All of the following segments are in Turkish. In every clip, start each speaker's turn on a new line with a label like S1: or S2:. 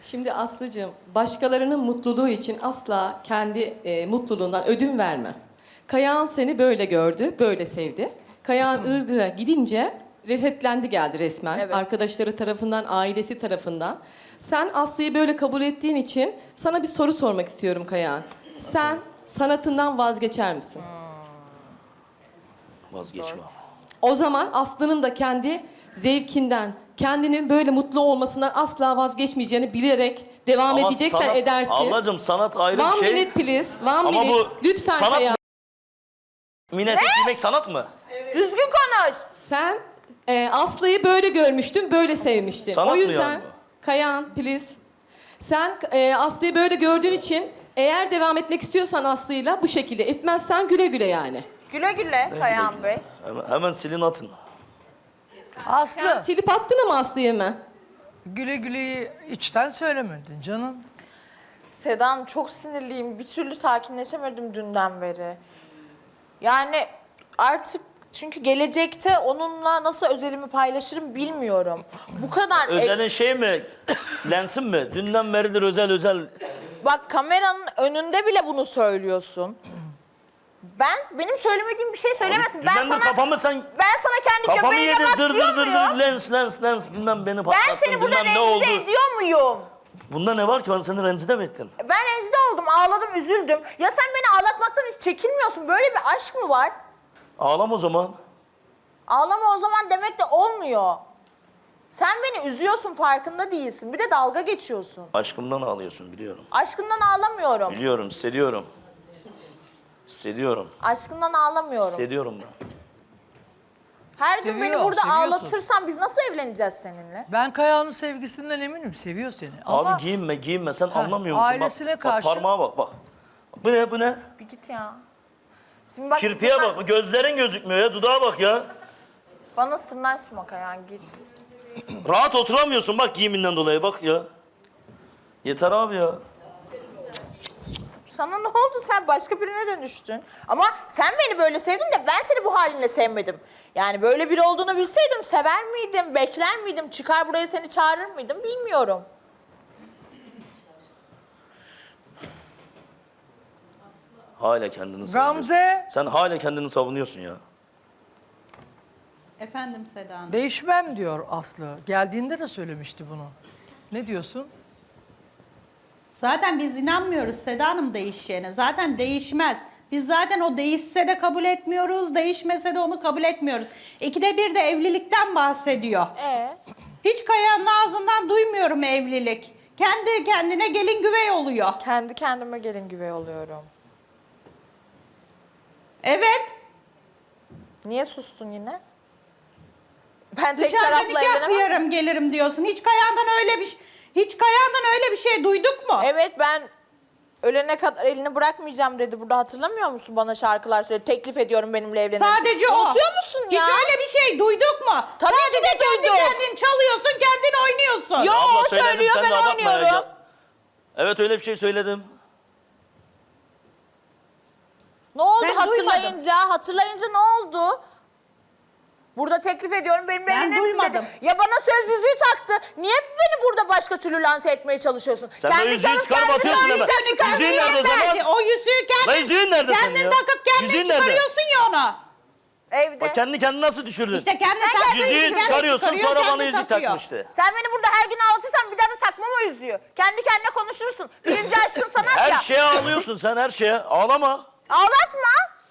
S1: Şimdi Aslı'cığım, başkalarının mutluluğu için asla kendi mutluluğundan ödün verme. Kayağın seni böyle gördü, böyle sevdi. Kayağın Iğdır'a gidince resetlendi geldi resmen.
S2: Evet.
S1: Arkadaşları tarafından, ailesi tarafından. Sen Aslı'yı böyle kabul ettiğin için sana bir soru sormak istiyorum Kayağın. Sen sanatından vazgeçer misin?
S3: Vazgeçmem.
S1: O zaman Aslı'nın da kendi zevkinden, kendinin böyle mutlu olmasından asla vazgeçmeyeceğini bilerek devam
S3: Ama
S1: edeceksen
S3: sanat,
S1: edersin.
S3: ablacığım sanat ayrı
S1: One
S3: bir şey.
S1: minute please, one
S3: Ama
S1: minute.
S3: bu
S1: Lütfen
S3: sanat
S1: Kayağın.
S3: Minnet etmek sanat mı?
S2: Düzgün konuş.
S1: Sen Aslı'yı böyle görmüştün, böyle sevmiştin.
S3: Sanat
S1: o
S3: mı
S1: yüzden
S3: yani
S1: Kayağın please. Sen Aslı'yı böyle gördüğün için eğer devam etmek istiyorsan Aslı'yla bu şekilde etmezsen güle güle yani.
S2: Güle güle Kayan Bey.
S3: Hemen silin atın.
S4: Aslı,
S1: Sen silip attın mı Aslı'yı mı?
S4: güle güleyi içten söylemedin canım.
S2: Sedan çok sinirliyim. Bir türlü sakinleşemedim dünden beri. Yani artık çünkü gelecekte onunla nasıl özelimi paylaşırım bilmiyorum. Bu kadar...
S3: Özel'in şey mi? Lensin mi? Dünden beridir özel.
S2: Bak kameranın önünde bile bunu söylüyorsun. Benim söylemediğim bir şey söylemezsin. Ben
S3: Dünden de
S2: sana
S3: kafamı sen...
S2: ben sana kendi
S3: Kafamı
S2: göbeğine
S3: yedir
S2: bak
S3: dır
S2: diyor
S3: dır
S2: muyum?
S3: lens bilmem beni
S2: Ben
S3: patlattın
S2: seni burada
S3: bilmem ne oldu.
S2: rencide ediyor muyum?
S3: Bunda ne var ki ben seni rencide mi ettim?
S2: Ben rencide oldum, ağladım, üzüldüm. Ya sen beni ağlatmaktan hiç çekinmiyorsun. Böyle bir aşk mı var?
S3: Ağlam o zaman.
S2: Ağlama o zaman demek de olmuyor. Sen beni üzüyorsun, farkında değilsin. Bir de dalga geçiyorsun.
S3: Aşkımdan ağlıyorsun biliyorum.
S2: Aşkından ağlamıyorum.
S3: Biliyorum, hissediyorum. Hissediyorum.
S2: Aşkından ağlamıyorum.
S3: Hissediyorum ben.
S2: Her gün beni
S4: Seviyor,
S2: burada
S4: seviyorsun.
S2: ağlatırsan biz nasıl evleneceğiz seninle?
S4: Ben Kaya'nın sevgisinden eminim, seviyor seni. Ama
S3: Abi giyinme sen anlamıyor musun?
S4: ailesine
S3: bak,
S4: karşı-
S3: Bak parmağa bak. Bu ne?
S2: Bir git ya. Şimdi bak
S3: Kirpiye bak, gözlerin gözükmüyor ya, dudağa bak ya.
S2: Bana sırnaşma Kayan, git.
S3: Rahat oturamıyorsun bak giyiminden dolayı bak ya. Yeter abi ya.
S2: Sana ne oldu? Sen başka birine dönüştün. Ama sen beni böyle sevdin de ben seni bu halinle sevmedim. Yani böyle biri olduğunu bilseydim sever miydim, bekler miydim, çıkar buraya seni çağırır mıydım bilmiyorum.
S3: Hala kendini savunuyorsun.
S4: Gamze,
S3: Sen hala kendini savunuyorsun ya.
S5: Efendim Seda Hanım.
S4: değişmem diyor Aslı. Geldiğinde de söylemişti bunu. Ne diyorsun?
S5: Zaten biz inanmıyoruz Seda Hanım değişeceğine. Zaten değişmez. Biz zaten o değişse de kabul etmiyoruz, değişmese de onu kabul etmiyoruz. İkide bir de evlilikten bahsediyor. Hiç Kaya'nın ağzından duymuyorum evlilik. Kendi kendine gelin güvey oluyor.
S2: Kendi kendime gelin güvey oluyorum.
S5: Evet.
S2: Niye sustun yine? Ben tek
S5: Dışarıda
S2: tarafla
S5: nikah
S2: evlenemem.
S5: kıyarım gelirim diyorsun. Hiç Kaya'dan öyle bir şey duyduk mu?
S2: Evet ben ölene kadar elini bırakmayacağım dedi. Burada hatırlamıyor musun? Bana şarkılar söyledi. Teklif ediyorum benimle evlenir misin?
S5: Sadece o.
S2: Unutuyor musun ya?
S5: Hiç öyle bir şey duyduk mu?
S2: Tabii ki
S5: Sadece
S2: de
S5: kendi
S2: duyduk.
S5: kendin çalıyorsun, kendin oynuyorsun.
S2: Yo
S3: Abla
S2: o
S3: söyledim,
S2: söylüyor
S3: sen de
S2: ben
S3: abartma ya.
S2: oynuyorum.
S3: Evet öyle bir şey söyledim.
S2: Ne oldu
S5: Ben
S2: hatırlayınca ne oldu? Burada teklif ediyorum benimle
S5: Ben
S2: evlenir misin dedi.
S5: duymadım.
S2: Ya bana söz yüzüğü taktı. Niye beni burada başka türlü lanse etmeye çalışıyorsun?
S3: Sen de yüzüğü çıkarıp atıyorsun hemen. Yüzüğün nerede o zaman?
S5: O yüzüğü kendin,
S3: Lan yüzüğün nerede senin
S5: kendin
S3: ya?
S5: takıp kendin
S3: Yüzüğün nerede?
S5: çıkarıyorsun ya onu.
S2: Evde.
S3: Bak kendini nasıl düşürdün?
S5: İşte kendin
S2: Sen
S5: taktığın
S2: kendin
S5: için
S3: Yüzüğü
S5: kendin
S3: çıkarıyorsun
S5: çıkarıyor,
S3: sonra bana
S5: kendin
S3: yüzük
S5: takıyor.
S3: takmıştı.
S2: Sen beni burada her gün ağlatırsan bir daha da takmam o yüzüğü. Kendi kendine konuşursun. Birinci aşkın sanat
S3: Her
S2: ya.
S3: şeye ağlıyorsun sen her şeye. Ağlama.
S2: Ağlatma.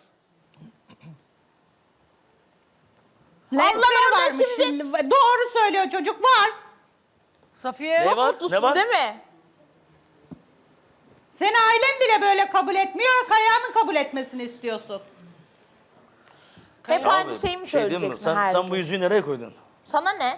S5: Lensleri
S2: Ablam orada
S5: varmış
S2: şimdi.
S5: Doğru söylüyor çocuk, var.
S4: Safiye,
S3: Ne var?
S2: Mutlusun
S3: Ne var?
S2: değil mi?
S5: Seni ailen bile böyle kabul etmiyor, Kaya'nın kabul etmesini istiyorsun.
S2: Hep
S3: Abi,
S2: aynı şeyi mi
S3: şey diyeyim mi?
S2: söyleyeceksin her
S3: Sen
S2: gün?
S3: bu yüzüğü nereye koydun?
S2: Sana ne?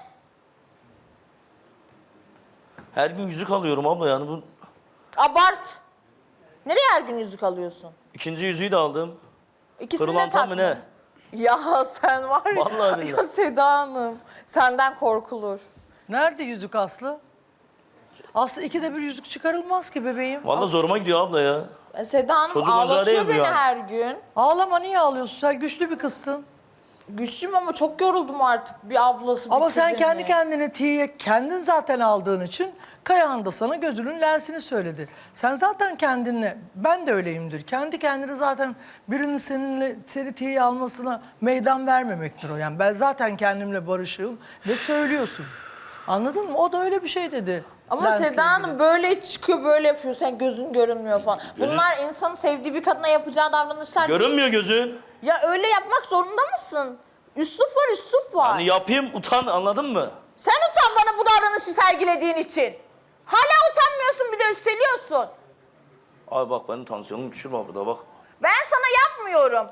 S3: Her gün yüzük alıyorum abla yani bu
S2: Abart. Nereye her gün yüzük alıyorsun?
S3: ikinci yüzüğü de aldım.
S2: İkisini de
S3: Pırlantam
S2: takma.
S3: mı ne?
S2: Ya sen var ya.
S3: Vallahi billahi.
S2: Ya Seda Hanım. Senden korkulur.
S4: nerede yüzük Aslı? Aslı ikide bir yüzük çıkarılmaz ki bebeğim.
S3: Vallahi zoruma gidiyor abla ya.
S2: Seda Hanım
S3: Çocuk oyuncağı
S2: ağlatıyor
S3: değil mi
S2: beni
S3: yani?
S2: her gün.
S4: Ağlama, niye ağlıyorsun? Sen güçlü bir kızsın.
S2: Güçlüyüm ama çok yoruldum artık bir ablası bir
S4: Ama sen
S2: kuzenine.
S4: kendi kendine tiye kendin zaten aldığın için Kayahan da sana gözünün lensini söyledi. Sen zaten kendinle, ben de öyleyimdir. Kendi kendine zaten birinin seni tiye almasına meydan vermemektir o. Yani ben zaten kendimle barışığım ve söylüyorsun. Anladın mı? O da öyle bir şey dedi.
S2: Ama
S4: lensle
S2: Seda
S4: ilgili.
S2: Hanım böyle çıkıyor, böyle yapıyor. Sen gözün görünmüyor falan. Bunlar insanın sevdiği bir kadına yapacağı davranışlar değil.
S3: Görünmüyor gözün.
S2: Ya öyle yapmak zorunda mısın? Üslup var, üslup var.
S3: Hani yapayım utan, anladın mı?
S2: Sen utan bana bu davranışı sergilediğin için. Hala utanmıyorsun, bir de üsteliyorsun.
S3: Abi bak benim tansiyonumu düşürme burada bak.
S2: Ben sana yapmıyorum.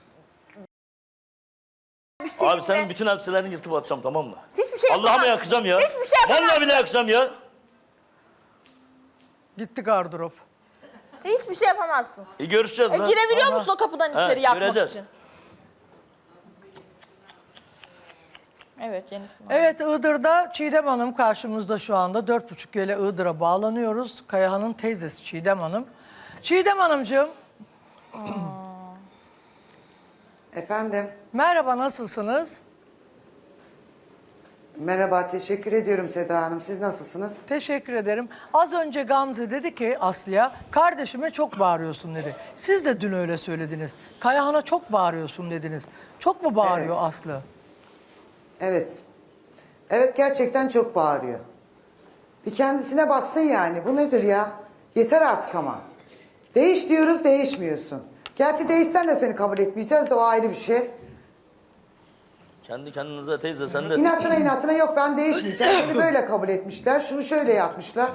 S2: Bir şey
S3: Abi senin bütün elbiselerini yırtıp atacağım, tamam mı?
S2: Hiçbir şey
S3: Allah'ıma
S2: yapamazsın.
S3: yakacağım ya.
S2: Hiçbir şey yapamazsın.
S3: Vallahi bile yakacağım ya.
S4: Gitti gardırop.
S2: Hiçbir şey yapamazsın.
S3: Görüşeceğiz lan.
S2: Girebiliyor musun o kapıdan içeri yapmak
S3: göreceğiz.
S2: için? Evet, yenisi var.
S4: Evet, Iğdır'da Çiğdem Hanım karşımızda şu anda. 4.30 ile Iğdır'a bağlanıyoruz. Kayahan'ın teyzesi Çiğdem Hanım. Çiğdem Hanımcığım,
S6: Efendim,
S4: merhaba, nasılsınız?
S6: merhaba, teşekkür ediyorum Seda Hanım. Siz nasılsınız?
S4: Teşekkür ederim. Az önce Gamze dedi ki Aslı'ya, kardeşime çok bağırıyorsun dedi. Siz de dün öyle söylediniz. Kayahan'a çok bağırıyorsun dediniz. Çok mu bağırıyor
S6: Evet.
S4: Aslı?
S6: Evet. Evet, gerçekten çok bağırıyor. Bir kendisine baksın yani. Bu nedir ya? Yeter artık ama. Değiş diyoruz, değişmiyorsun. Gerçi değişsen de seni kabul etmeyeceğiz de o ayrı bir şey.
S3: Kendi kendinize teyze sen de...
S6: İnatına inatına yok ben değişmeyeceğim. Seni böyle kabul etmişler, şunu şöyle yapmışlar.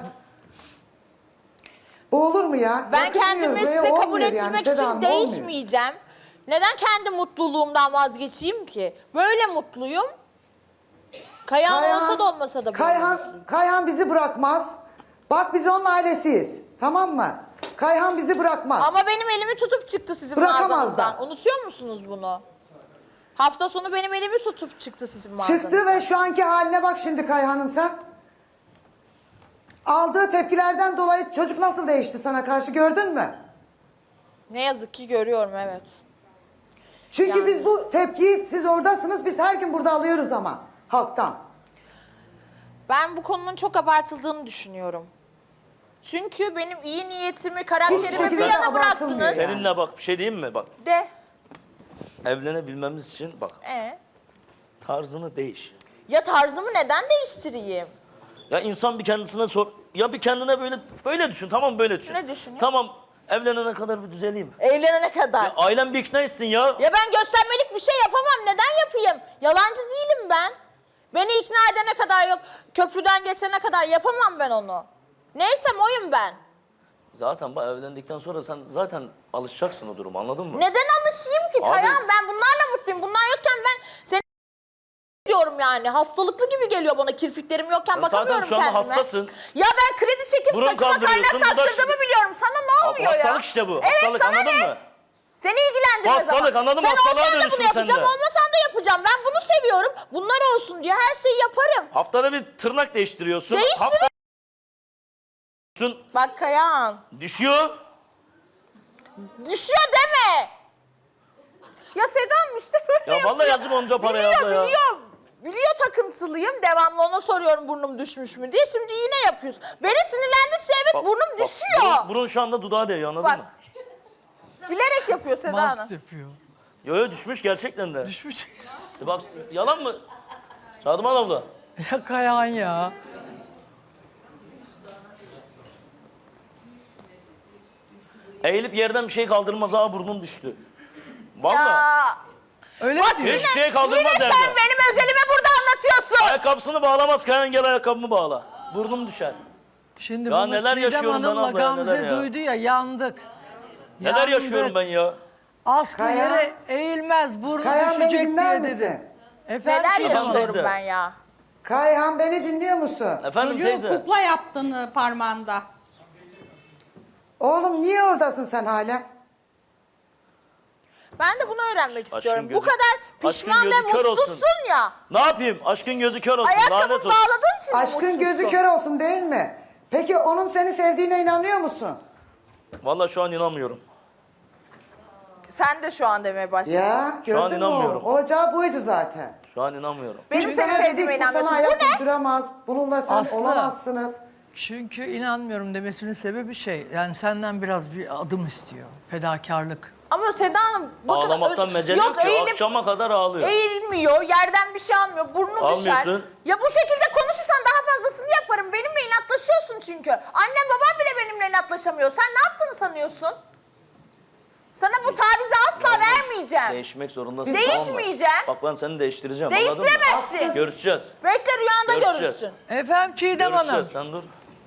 S6: Bu olur mu ya?
S2: Ben
S6: Yakışmıyor,
S2: kendimi
S6: böyle
S2: size kabul
S6: olmuyor yani.
S2: ettirmek
S6: Seda
S2: için
S6: Hanım, olmuyor.
S2: değişmeyeceğim. Neden kendi mutluluğumdan vazgeçeyim ki? Böyle mutluyum. Kayahan olsa da olmasa da böyle mutluyum.
S6: Kayhan bizi bırakmaz. Bak biz onun ailesiyiz. Tamam mı? Kayhan bizi bırakmaz.
S2: Ama benim elimi tutup çıktı sizin
S6: Bırakamaz
S2: mağazanızdan.
S6: da.
S2: Unutuyor musunuz bunu? Hafta sonu benim elimi tutup çıktı sizin mağazanızdan.
S6: Çıktı ve şu anki haline bak şimdi Kayhan'ın sen. Aldığı tepkilerden dolayı çocuk nasıl değişti sana karşı gördün mü?
S2: Ne yazık ki görüyorum, evet.
S6: Çünkü
S2: Yani.
S6: biz bu tepkiyi siz oradasınız biz her gün burada alıyoruz ama halktan.
S2: Ben bu konunun çok abartıldığını düşünüyorum. Çünkü benim iyi niyetimi,
S6: Hiçbir
S2: karakterimi bir
S6: şekilde
S2: yana
S6: abartılmıyor
S2: bıraktınız.
S6: yani.
S3: Seninle bak bir şey diyeyim mi? Bak
S2: De.
S3: evlenebilmemiz için bak tarzını değiş.
S2: Ya tarzımı neden değiştireyim?
S3: Ya insan bir kendisine sor. Ya bir kendine böyle düşün, tamam mı? Böyle düşün.
S2: Ne düşünüyor?
S3: Tamam, evlenene kadar bir düzeleyim.
S2: Evlenene kadar.
S3: Ya ailen bir ikna etsin ya.
S2: Ya ben göstermelik bir şey yapamam. Neden yapayım? Yalancı değilim ben. Beni ikna edene kadar yok. Köprüden geçene kadar yapamam ben onu. Neysem oyum ben.
S3: Zaten bak evlendikten sonra sen zaten alışacaksın o duruma, anladın mı?
S2: Neden alışayım ki
S3: Abi-
S2: Kayan? Ben bunlarla mutluyum. Bunlar yokken ben seni diyorum yani. Hastalıklı gibi geliyor bana. Kirpiklerim yokken
S3: Sen
S2: bakamıyorum
S3: zaten şu anda
S2: kendime.
S3: hastasın.
S2: Ya ben kredi çekip
S3: Burun
S2: saçıma
S3: kaldırıyorsun,
S2: kaynak
S3: bu da
S2: taktırdığımı
S3: şu-
S2: biliyorum. Sana ne
S3: Abi
S2: oluyor ya?
S3: hastalık işte bu.
S2: Evet,
S3: Hastalık,
S2: sana
S3: anladın
S2: ne?
S3: mı?
S2: Seni ilgilendirmez ama.
S3: Hastalık, anladın mı?
S2: Sen
S3: Hastalığa
S2: olsan da
S3: dönüştün
S2: bunu
S3: sen de.
S2: yapacağım, olmasan da yapacağım. Ben bunu seviyorum. Bunlar olsun diye her şeyi yaparım.
S3: Haftada bir tırnak değiştiriyorsun.
S2: Değiştirin.
S3: Hafta...
S2: Bak Kayan.
S3: Düşüyor.
S2: Düşüyor deme. Ya Sedam işte böyle
S3: Ya vallahi yazık onca paraya
S2: biliyor,
S3: abla ya.
S2: Biliyor takıntılıyım. Devamlı ona soruyorum burnum düşmüş mü diye. Şimdi yine yapıyorsun. Beni sinirlendikçe evet
S3: Bak,
S2: burnum
S3: bak,
S2: düşüyor.
S3: Burun şu anda dudağa değiyor, anladın
S2: Bak.
S3: mı?
S2: Bilerek yapıyor Seda Hanım.
S4: Mast yapıyor.
S3: Yo düşmüş gerçekten de.
S4: Düşmüş.
S3: Bak yalan mı? Şadıman abla.
S4: Ya Kayahan ya.
S3: Eğilip yerden bir şey kaldırmaz, ha burnum düştü. Vallahi.
S2: Ya.
S4: Öyle mi diyor?
S3: Hiçbir şey kaldırmaz
S2: Yine
S3: evde.
S2: sen benim özelimi burada anlatıyorsun.
S3: Ayakkabısını bağlamaz, Kayan gel ayakkabımı bağla. Burnum düşer.
S4: Şimdi
S3: Ya
S4: bunu
S3: neler
S4: Çiğdem
S3: yaşıyorum ben
S4: Hanım'la
S3: abla ya,
S4: Gamze
S3: neler ya?
S4: duydu ya, yandık.
S3: Neler
S4: Yandık.
S3: yaşıyorum ben ya?
S4: Aslı
S6: Kaya-
S4: yere eğilmez, burnu
S6: Kayhan beni
S4: düşecek
S6: dinler
S4: diye dedi.
S6: misin?
S4: Efendim
S2: Neler
S4: Çiğdem Hanım?
S2: yaşıyorum
S3: teyze.
S2: ben ya.
S6: Kayhan beni dinliyor musun?
S3: Efendim
S5: Çocuğu
S3: teyze.
S5: kukla yaptın parmağında.
S6: Oğlum niye oradasın sen hala?
S2: Ben de bunu öğrenmek istiyorum.
S3: gözü-
S2: Bu kadar pişman
S3: aşkın
S2: ve
S3: gözü kör olsun.
S2: mutsuzsun ya.
S3: Ne yapayım? Aşkın gözü kör olsun, lanet
S2: Ayakkabımı
S3: olsun.
S2: bağladığın için mi
S6: Aşkın
S2: mutsuzsun?
S6: gözü kör olsun değil mi? Peki onun seni sevdiğine inanıyor musun?
S3: Vallahi şu an inanmıyorum.
S2: Sen de şu an demeye başladın.
S6: Ya
S3: Şu an
S6: gördün mü
S3: inanmıyorum.
S6: oğlum? Olacağı buydu zaten.
S3: Şu an inanmıyorum.
S2: Benim
S6: Biz
S2: seni
S6: sana dedik,
S2: sevdiğime
S6: bu sana
S2: inanmıyorsun.
S6: ayak
S2: Bu ne?
S6: uyduramaz. Bununla sen
S4: Aslı.
S6: olamazsınız.
S4: Çünkü inanmıyorum demesinin sebebi yani senden biraz bir adım istiyor. Fedakarlık.
S2: Ama Seda Hanım bakın
S3: Ağlamaktan mecel yok ki. Akşama kadar ağlıyor.
S2: Eğilmiyor, yerden bir şey almıyor, burnu düşer.
S3: Almıyorsun.
S2: Ya bu şekilde konuşursan daha fazlasını yaparım. Benimle inatlaşıyorsun çünkü. Annem babam bile benimle inatlaşamıyor. Sen ne yaptığını sanıyorsun? Sana bu tavizi asla vermeyeceğim.
S3: Değişmek zorundasın.
S2: Değişmeyeceğim.
S3: Tamam mı? Bak ben seni değiştireceğim. anladın mı?
S2: Değiştiremezsin.
S3: Görüşeceğiz.
S2: Bekle rüyanda
S3: Görüşeceğiz.
S2: görürsün.
S4: Efendim Çiğdem Hanım.
S3: Görüşeceğiz. Sen dur.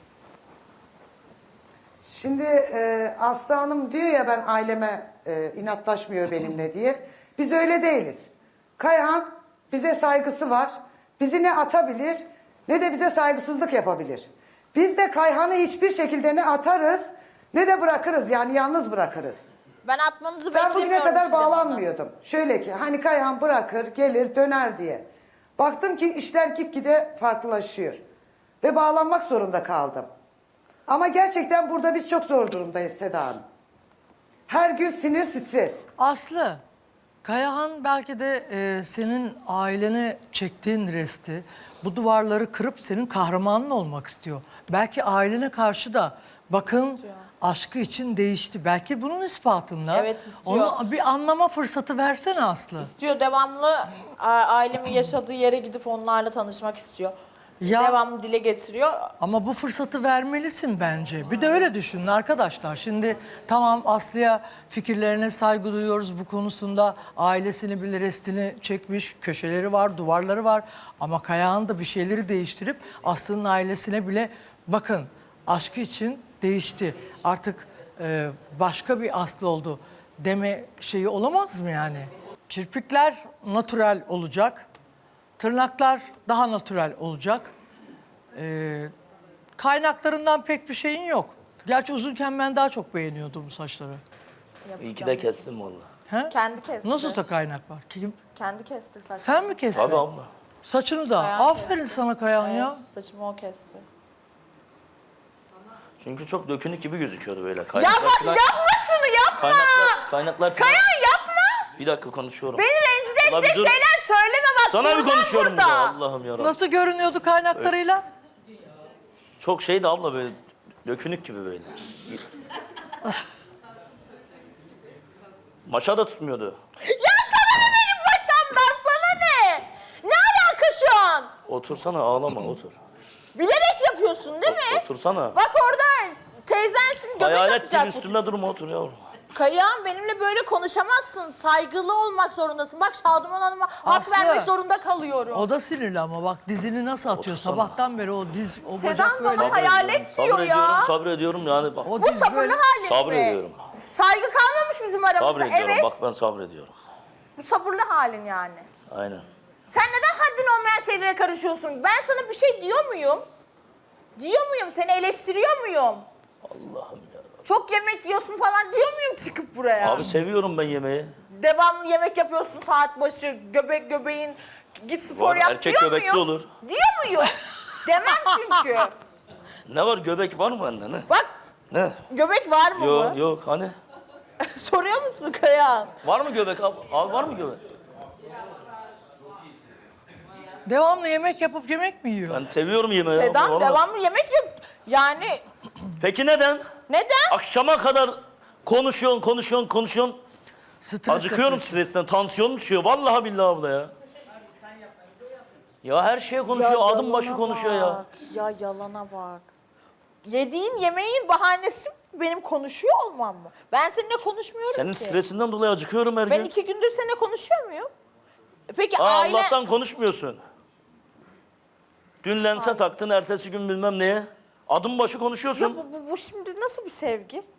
S6: Şimdi Aslı Hanım diyor ya ben aileme inatlaşmıyor benimle diye. Biz öyle değiliz. Kayhan bize saygısı var. Bizi ne atabilir ne de bize saygısızlık yapabilir. Biz de Kayhan'ı hiçbir şekilde ne atarız ne de bırakırız yani yalnız bırakırız.
S2: Ben atmanızı
S6: Ben
S2: beklemiyorum.
S6: bugüne kadar
S2: Çiğdem Hanım.
S6: bağlanmıyordum. Şöyle ki hani Kayhan bırakır gelir döner diye. Baktım ki işler gitgide farklılaşıyor. Ve bağlanmak zorunda kaldım. Ama gerçekten burada biz çok zor durumdayız Seda Hanım. Her gün sinir stres.
S4: Aslı, Kayahan belki de senin ailene çektiğin resti, bu duvarları kırıp senin kahramanın olmak istiyor. Belki ailene karşı da bakın aşkı için değişti. Belki bunun ispatında.
S2: Evet, istiyor.
S4: Onu bir anlama fırsatı versene Aslı.
S2: İstiyor devamlı ailemin yaşadığı yere gidip onlarla tanışmak istiyor.
S4: Ya-
S2: Devamlı dile getiriyor.
S4: Ama bu fırsatı vermelisin bence. Bir de öyle düşünün arkadaşlar. Şimdi tamam Aslı'ya fikirlerine saygı duyuyoruz bu konusunda. Ailesini bile restini çekmiş, köşeleri var, duvarları var. Ama Kayahan da bir şeyleri değiştirip Aslı'nın ailesine bile bakın aşkı için değişti. Artık başka bir Aslı oldu deme şeyi olamaz mı yani? Kirpikler natürel olacak. Tırnaklar daha natürel olacak. Kaynaklarından pek bir şeyin yok. Gerçi uzunken ben daha çok beğeniyordum bu saçları.
S3: İyi ki de kestim valla.
S4: He?
S2: Kendi kesti.
S4: Nasıl da kaynak var? Kim?
S2: Kendi kesti saçımı.
S4: Sen mi kestin?
S3: Tabii abla.
S4: Saçını da.
S2: Kayan
S4: Aferin sana Kayan ya.
S2: Evet, saçımı o kesti.
S3: Çünkü çok dökünük gibi gözüküyordu böyle.
S2: Yapma,
S3: Kaynaklar falan-
S2: yapma şunu yapma.
S3: Kaynaklar falan-
S2: Kayan yapma.
S3: Bir dakika konuşuyorum.
S2: Beni rencide
S3: Ulan bir
S2: edecek
S3: dur.
S2: şeyler söyleme bak.
S3: Sana bir
S2: durmam
S3: konuşuyorum
S2: burada.
S3: burada. Allah'ım yarabbim.
S4: Nasıl görünüyordu kaynaklarıyla?
S3: Çok şeydi abla böyle. Dökünük gibi böyle. Maşa da tutmuyordu.
S2: Ya sana ne benim paçamdan sana ne? Ne alaka şu an?
S3: Otursana ağlama otur.
S2: Bilerek yapıyorsun değil mi?
S3: Otursana.
S2: Bak orada teyzen şimdi göbek
S3: Hayalet
S2: atacak.
S3: gibi üstümde durma otur yavrum.
S2: Kayağım benimle böyle konuşamazsın. Saygılı olmak zorundasın. Bak Şaduman Hanım'a hak
S4: Aslı,
S2: vermek zorunda kalıyorum.
S4: O da sinirli ama bak dizini nasıl atıyor.
S3: Otursana.
S4: Sabahtan beri o diz, o
S2: Sedan
S4: bacak böyle.
S2: bana hayalet diyor ya.
S3: Sabrediyorum yani bak.
S4: O
S2: Bu
S4: diz
S2: sabırlı
S4: böyle.
S2: halin mi?
S3: Sabrediyorum.
S2: Saygı kalmamış bizim aramızda.
S3: Sabrediyorum
S2: Evet.
S3: bak ben sabrediyorum.
S2: Bu sabırlı halin yani.
S3: Aynen.
S2: Sen neden haddin olmayan şeylere karışıyorsun? Ben sana bir şey diyor muyum? Diyor muyum? Seni eleştiriyor muyum?
S3: Allah'ım ya.
S2: Çok yemek yiyorsun falan diyor muyum çıkıp buraya?
S3: Abi seviyorum ben yemeği.
S2: Devamlı yemek yapıyorsun saat başı, göbeğin git spor
S3: Var,
S2: yap
S3: erkek
S2: diyor
S3: göbekli
S2: muyum?
S3: olur.
S2: Diyor muyum? Demem çünkü.
S3: Ne var göbek var mı bende ne?
S2: Bak
S3: Ne?
S2: göbek var mı
S3: Yok
S2: bu?
S3: yok hani?
S2: Soruyor musun Kayahan?
S3: Var mı göbek abi? Abi var mı göbek?
S4: Devamlı yemek yapıp yemek mi yiyor?
S3: Ben seviyorum yemeği. abi,
S2: Sedan
S3: vallahi.
S2: devamlı yemek yok. Yani
S3: Peki neden?
S2: neden?
S3: Akşama kadar konuşuyorsun.
S4: Stres
S3: Acıkıyorum
S4: yapıyorsun.
S3: stresten. Tansiyonum düşüyor. Vallahi billahi abla ya. Ya her şeye konuşuyor. Adım başı
S2: yalana
S3: konuşuyor ya.
S2: bak, ya yalana bak. Yediğin yemeğin bahanesi benim konuşuyor olmam mı? Ben seninle konuşmuyorum
S3: Senin
S2: ki.
S3: stresinden dolayı acıkıyorum her
S2: Ben
S3: gün.
S2: 2 gündür seninle konuşuyor muyum? Peki
S3: Aa,
S2: aile...
S3: Allah'tan konuşmuyorsun. Dün lense taktın, ertesi gün bilmem neye. Adım başı konuşuyorsun.
S2: Ya bu şimdi nasıl bir sevgi?